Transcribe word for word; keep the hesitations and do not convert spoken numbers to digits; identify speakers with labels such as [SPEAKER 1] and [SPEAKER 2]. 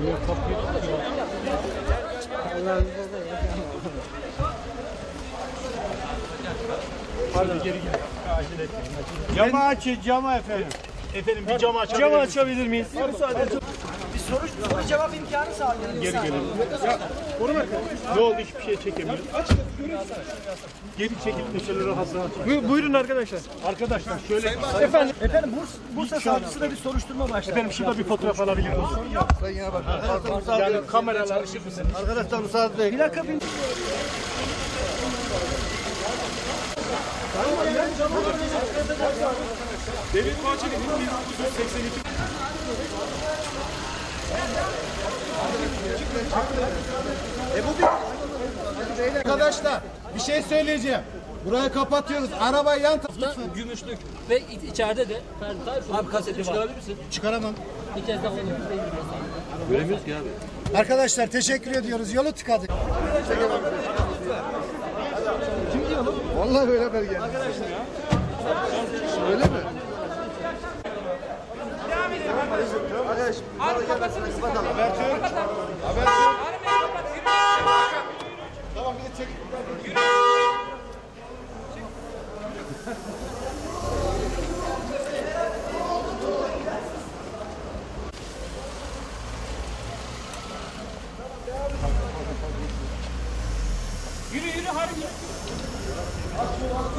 [SPEAKER 1] Pardon. Geri gel. Acele etmeyin.
[SPEAKER 2] Camı açın, camı efendim.
[SPEAKER 1] Efendim bir camı açabilir
[SPEAKER 2] Camı
[SPEAKER 1] miyiz?
[SPEAKER 2] açabilir miyiz?
[SPEAKER 1] Müsaade edin.
[SPEAKER 3] Bir soru, soru cevap imkanı sağlayalım.
[SPEAKER 1] Geri gelin. Ya, koruma. Ne oldu? Hiçbir şey çekemiyorum. Geri çekilip de şöyle rahat rahat çekin.
[SPEAKER 2] Bu, buyurun arkadaşlar.
[SPEAKER 1] Arkadaşlar şöyle.
[SPEAKER 2] Efendim.
[SPEAKER 3] Efendim Bursa, Bursa savcısı da bir soruşturma başlattı.
[SPEAKER 1] Efendim şurada bir fotoğraf alabilir miyim?
[SPEAKER 2] Sayın Bakan.
[SPEAKER 1] Yani kameralar.
[SPEAKER 2] Arkadaşlar müsaade edin.
[SPEAKER 3] Plaka bin...
[SPEAKER 1] David Bahçeli bin dokuz yüz seksen iki.
[SPEAKER 2] Arkadaşlar bir şey söyleyeceğim. Burayı kapatıyoruz. Arabayı yan
[SPEAKER 4] Da gümüşlük ve iç- içeride de Ferdi Tayfun. Abi kaseti çıkarabilir misin?
[SPEAKER 2] çıkaramam.
[SPEAKER 4] Bir kez daha onu
[SPEAKER 5] Göremiyoruz ki abi.
[SPEAKER 2] Arkadaşlar teşekkür ediyoruz. Yolu tıkadık. Kim diyor oğlum? Vallahi böyle haber geldi. Arkadaşlar ya. Öyle mi? Arkadaş, abi kapatsın. Habertür. Habertür. Tamam bir de çek.
[SPEAKER 4] Yürü yürü hadi yürü.